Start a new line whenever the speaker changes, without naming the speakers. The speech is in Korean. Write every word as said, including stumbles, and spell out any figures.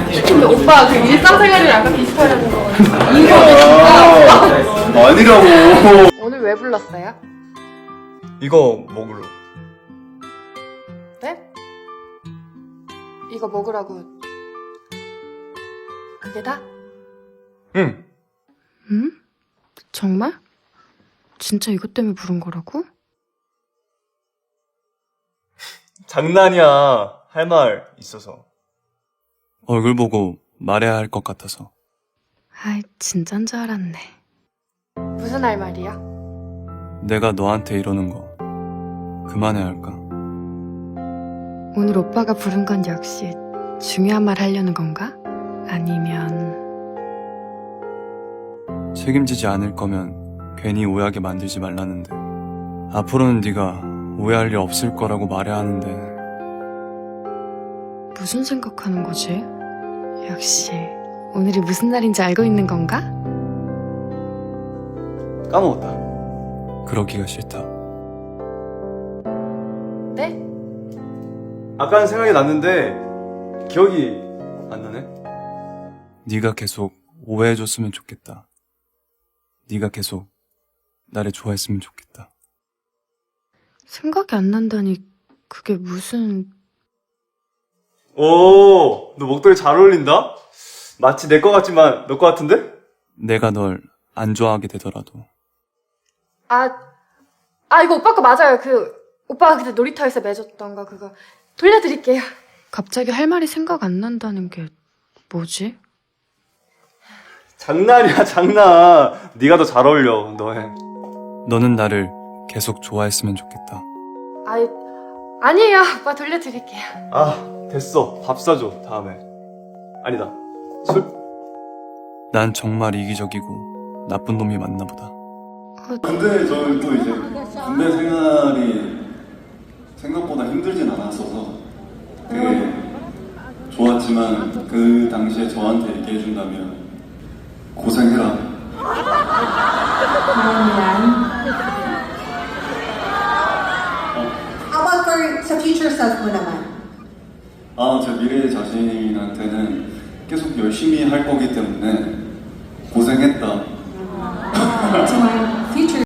근데 오빠 그 일상생활이랑 약간 비슷하다는 거
아, 아니라고.
오늘 왜 불렀어요?
이거 먹으러.
네? 이거 먹으라고 그게 다?
응.
응? 정말? 진짜 이것 때문에 부른 거라고?
장난이야. 할 말 있어서.
얼굴 보고 말해야 할 것 같아서.
아이 진짠 줄 알았네. 무슨 할 말이야?
내가 너한테 이러는 거 그만해야 할까?
오늘 오빠가 부른 건 역시 중요한 말 하려는 건가? 아니면
책임지지 않을 거면 괜히 오해하게 만들지 말라는데 앞으로는 네가 오해할 일 없을 거라고 말해야 하는데
무슨 생각하는 거지? 역시 오늘이 무슨 날인지 알고 있는 건가?
까먹었다.
그러기가 싫다.
네?
아까는 생각이 났는데 기억이 안 나네.
네가 계속 오해해줬으면 좋겠다. 네가 계속 나를 좋아했으면 좋겠다.
생각이 안 난다니 그게 무슨...
오, 너 목도리 잘 어울린다? 마치 내 거 같지만 너 거 같은데?
내가 널 안 좋아하게 되더라도
아, 아 이거 오빠 거 맞아요. 그 오빠가 그때 놀이터에서 매줬던 거 그거 돌려드릴게요. 갑자기 할 말이 생각 안 난다는 게 뭐지?
장난이야 장난. 네가 더 잘 어울려. 너 해.
너는 나를 계속 좋아했으면 좋겠다.
아이, 아니에요. 오빠 돌려드릴게요.
아 됐어. 밥 사줘 다음에. 아니다. 술?
난 정말 이기적이고 나쁜 놈이 맞나 보다.
근데 저는 또 이제 군대 생활이 생각보다 힘들진 않았어서 되게 좋았지만 그 당시에 저한테 얘기해준다면 고생해라.
How about for sa future self mo naman?
아, 제 미래 자신한테는 계속 열심히 할 거기 때문에 고생했다.
Sa mga